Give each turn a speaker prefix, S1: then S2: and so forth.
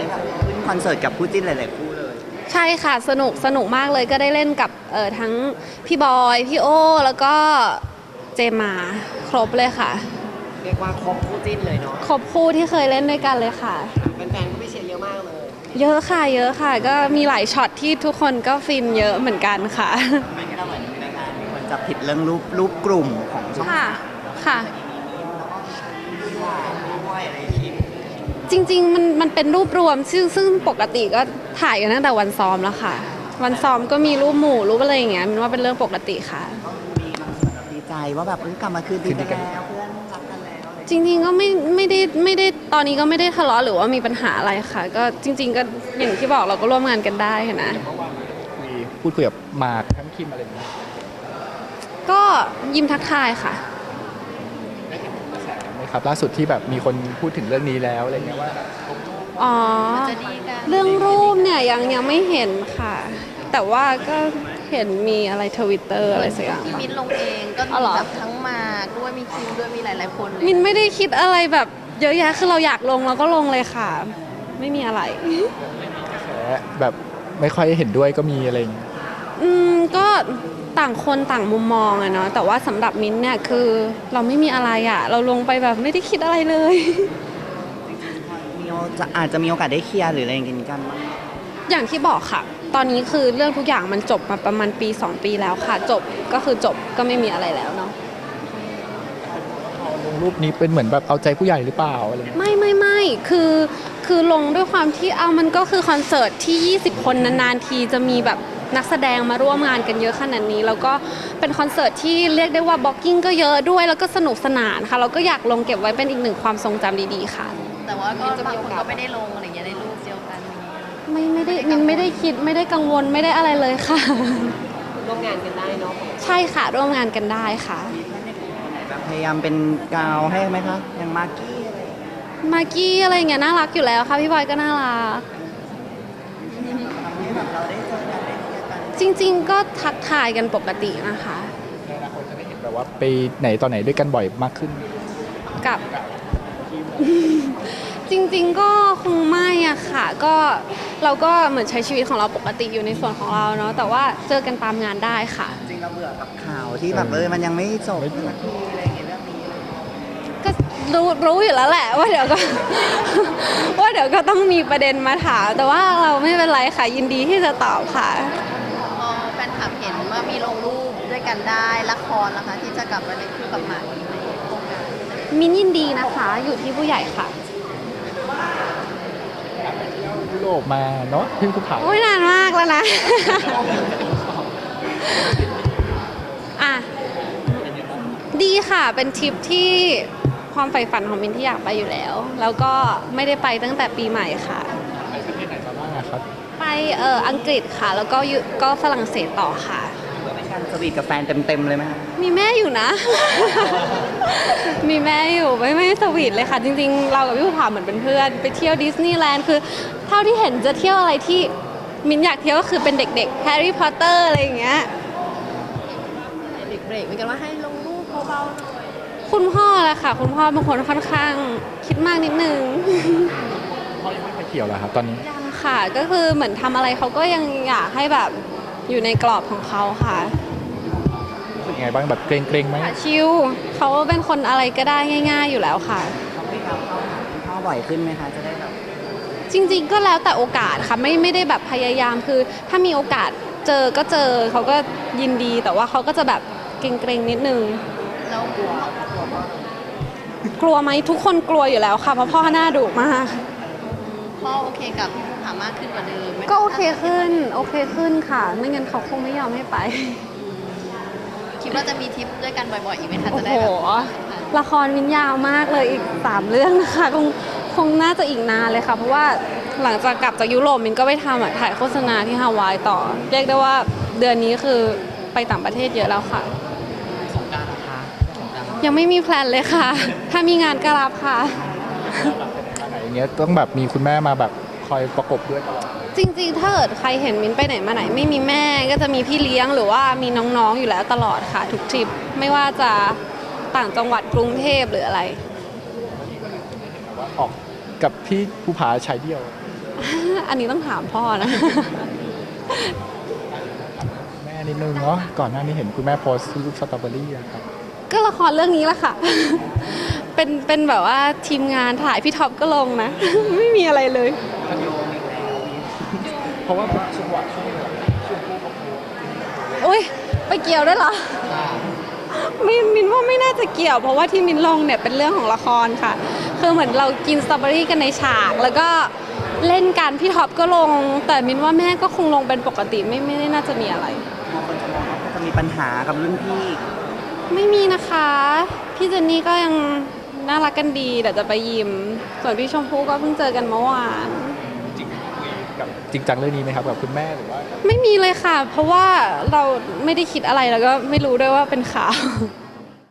S1: ขึ้นคอนเสิร์ตกับคู่จิ้นหลายๆคู่เลย
S2: ใช่ค่ะสนุกมากเลยก็ได้เล่นกับทั้งพี่บอยพี่โอแล้วก็เจมมาครบเลยค่ะ
S3: เรียกว่าครบคู่จิ้นเลยเนาะ
S2: ครบคู่ที่เคยเล่นด้วยกันเลยค่ะ
S3: แฟนๆก็ไม่เชียร์เยอะมากเลย
S2: เยอะค่ะเยอะค่ะก็มีหลายช็อตที่ทุกคนก็ฟินเยอะเหมือนกันค่ะ
S1: ไม่ก็เหมือนในงานมีคนจับผิดเรื่องรูปกลุ่มของช่อง
S2: ค่ะค่ะ
S1: ด้วยอะไรคิด
S2: จริงๆมันเป็นรูปรวมซึ่งปกติก็ถ่ายกันตั้งแต่วันซ้อมแล้วค่ะวันซ้อมก็มีรูปหมู่รูปอะไรอย่างเงี้ยมันว่าเป็นเรื่องปกติค่ะ
S1: มีบางส่วนดีใจว่าแบบกลับมาคืนดีกันแล้วเพื่อนรักกันแล้ว
S2: จริงๆก็ไม่ได้ตอนนี้ก็ไม่ได้ทะเลาะหรือว่ามีปัญหาอะไรค่ะก็จริงๆก็อย่างที่บอกเราก็ร่วมงานกันได้นะ
S4: พูดคุยกับหมากทั้งคิมอะไรอย่างเงี้ย
S2: ก็ยิ้มทักทายค่ะ
S4: ครับล่าสุดที่แบบมีคนพูดถึงเรื่องนี้แล้วอะไรเงี้ยว่า
S2: อ๋อเรื่องรูปเนี่ยยังไม่เห็นค่ะ แต่ว่าก็เห็นมีอะไรTwitterอะไรสักอย่าง
S5: ที่มิ้นลงเองก็มีแบบทั้งหมากด้วยมีคิมด้วยมีหลายๆคน
S2: มินไม่ได้คิดอะไรแบบเยอะแยะคือเราอยากลงเราก็ลงเลยค่ะไม่มีอะไร
S4: แบบไม่ค่อยเห็นด้วยก็มีอะไรอย่างเงี้ย
S2: ก็ต่างคนต่างมุมมองอะเนาะแต่ว่าสำหรับมิ้นเนี่ยคือเราไม่มีอะไรอะเราลงไปแบบไม่ได้คิดอะไรเลย
S1: อาจจะมีโอกาสได้เคลียร์หรืออะไรกันบ้าง
S2: อย่างที่บอกค่ะตอนนี้คือเรื่องทุกอย่างมันจบมาประมาณปี2 ปีแล้วค่ะจบก็คือจบก็ไม่มีอะไรแล้วเนาะ
S4: ลงรูปนี้เป็นเหมือนแบบเอาใจผู้ใหญ่หรือเปล่าอะไร
S2: ไม่คือลงด้วยความที่มันก็คือคอนเสิร์ตที่20 คนนานๆทีจะมีแบบนักแสดงมาร่วมงานกันเยอะขนาดนี้แล้วก็เป็นคอนเสิร์ตที่เรียกได้ว่าบล็อกกิ้งก็เยอะด้วยแล้วก็สนุกสนานค่ะเราก็อยากลงเก็บไว้เป็นอีกหนึ่งความทรงจำดีๆค่ะ
S5: แต่ว่าก็บางคนก็ไม่ได้ลงอะไรอย่างเงี้ยในรูปเดียวกัน
S2: ไม่ได้มินไม่ได้คิดไม่ได้กังวลไม่ได้อะไรเลยค่ะ
S3: ร่วมงานกันได้เนาะ
S2: ใช่ค่ะร่วมงานกันได้ค่ะ
S1: แบบพยายามเป็นกาวให้ไหมคะอย่างมากกี้
S2: อะไรอย่างเงี้ยน่ารักอยู่แล้วค่ะพี่บอยก็น่ารักจริงๆก็ทักทายกันปกตินะคะ
S4: ในอนาคตจะได้เห็นแบบว่าไปไหนตอนไหนด้วยกันบ่อยมากขึ้น
S2: กับจริงๆก็คงไม่อะค่ะก็เราก็เหมือนใช้ชีวิตของเราปกติอยู่ในส่วนของเราเนาะแต่ว่าเจอกันตามงานได้ค่ะ
S1: จริงเราเบื่อกับข่าวที่แบบมันยังไม่จบสักทีอะไรอย่างเงี้ยเรื่องนี้
S2: ก็รู้อยู่แล้วแหละว่าเดี๋ยวก็ต้องมีประเด็นมาถามแต่ว่าเราไม่เป็นไรค่ะยินดีที่จะตอบค่ะ
S5: แฟนคลับเห็นว่ามีลงรูปด้วยกันได้ละครนะคะที่จะกลับมาในคู่กับหมากอีกในโครงการ
S2: มินยินดีนะคะอยู่ที่ผู้ใหญ่ค่ะ
S4: ยุโรปมาเนาะที่ภูเขา
S2: นานมากแล้วนะดีค่ะเป็นทริปที่ความใฝ่ฝันของมินที่อยากไปอยู่แล้วแล้วก็ไม่ได้ไปตั้งแต่ปีใหม่ค่ะ
S4: ไปประเทศไหนมาบ้างครับ
S2: ไปอังกฤษค่ะแล้วก็ฝรั่งเศสต่อค่ะ
S1: เป็นการสวีทกับแฟนเต็มเลยไหมคะ
S2: มีแม่อยู่นะ มีแม่อยู่ไม่สวีทเลยค่ะจริงๆเรากับพี่ภูผาเหมือนเป็นเพื่อนไปเที่ยวดิสนีย์แลนด์คือเท่าที่เห็นจะเที่ยวอะไรที่มินอยากเที่ยวก็คือเป็นเด็กๆแฮร์รี่พอตเตอร์อะไรอย่างเงี้ย
S5: เด็กเบรกเหมือนกันว่าให้ลงรูปเบาๆหน่อย
S2: คุณพ่อแหละค่ะคุณพ่อบางคนค่อนข้างคิดมากนิดนึง
S4: พ่อยังไม่ไปเที่ยวเหรอครับตอนนี้
S2: ยังค่ะก็คือเหมือนทำอะไรเขาก็ยังอยากให้แบบอยู่ในกรอบของเขาค่ะ
S4: รู้สึกไงบ้างแบบเกรงไหม
S2: ชิลเขาเป็นคนอะไรก็ได้ง่ายๆอยู่แล้วค่ะ
S1: เขาไม่ทำเข้าบ่อยขึ้นไหมคะจะได้แบบ
S2: จริงๆก็แล้วแต่โอกาสค่ะไม่ได้แบบพยายามคือถ้ามีโอกาสเจอก็เจอเขาก็ยินดีแต่ว่าเขาก็จะแบบเกรงๆนิดนึง
S5: แล้วก
S2: ลัวไหมทุกคนกลัวอยู่แล้วค่ะเพราะพ่อหน้าดุมาก
S5: พ่อโอเคกับพี่ภูผามากขึ้นกว่าเดิม
S2: ก็โอเคขึ้นค่ะไม่งั้นเขาคงไม่ยอมให้ไป
S5: คิดว่าจะมีทริปด้วยกันบ่อยๆอีกไหมคะจะได้แบบ
S2: ละครวินยาวมากเลยอีก3 เรื่องนะคะคงน่าจะอีกนานเลยค่ะเพราะว่าหลังจากกลับจากยุโรปมินก็ไปทำถ่ายโฆษณาที่ฮาวายต่อเรียกได้ว่าเดือนนี้คือไปต่างประเทศเยอะแล้วค่ะ
S3: สงกรานต์นะคะ
S2: ยังไม่มีแพลนเลยค่ะถ้ามีงานก็รับค่ะ
S4: อย่างเงี้ยต้องแบบมีคุณแม่มาแบบคอยประกบด้วยตลอด
S2: จริงๆถ้าเกิดใครเห็นมินไปไหนมาไหนไม่มีแม่ก็จะมีพี่เลี้ยงหรือว่ามีน้องๆอยู่แล้วตลอดค่ะทุกทริปไม่ว่าจะต่างจังหวัดกรุงเทพหรืออะไร
S4: ออกกับพี่ภูผาชายเดียว
S2: อันนี้ต้องถามพ่อนะ
S4: แม่นิดนึงเนาะก่อนหน้านี้เห็นคุณแม่โพสต์รูปสตรอเบอรี่อะครับ
S2: ก็ละครเรื่องนี้แหละค่ะ เป็นแบบว่าทีมงานถ่ายพี่ท็อปก็ลงนะ ไม่มีอะไรเลย
S4: เพราะว่าช่วงวันช่วงพูด
S2: อุ้ยไปเกี่ยวด้วยเหรอมินว่าไม่น่าจะเกี่ยว เพราะว่าที่มินลงเนี่ยเป็นเรื่องของละครค่ะ คือเหมือนเรากินสตรอเบอรี่กันในฉาก แล้วก็เล่นกันพี่ท็อปก็ลง แต่มินว่าแม่ก็คงลงเป็นปกติไม่ได้น่าจะมีอะไร
S1: บางคนจะมองว่าจะมีปัญหากับรุ่นพี่
S2: ไม่มีนะคะ พี่เจนนี่ก็ยังน่ารักกันดีเดี๋ยวจะไปยิม ส่วนพี่ชมพู่ก็เพิ่งเจอกันเมื่อวาน
S4: จริงจังเรื่องนี้ไหมครับกับคุณแม่หรือว่า
S2: ไม่มีเลยค่ะ เพราะว่าเราไม่ได้คิดอะไรแล้วก็ไม่รู้ด้วยว่าเป็นข่าว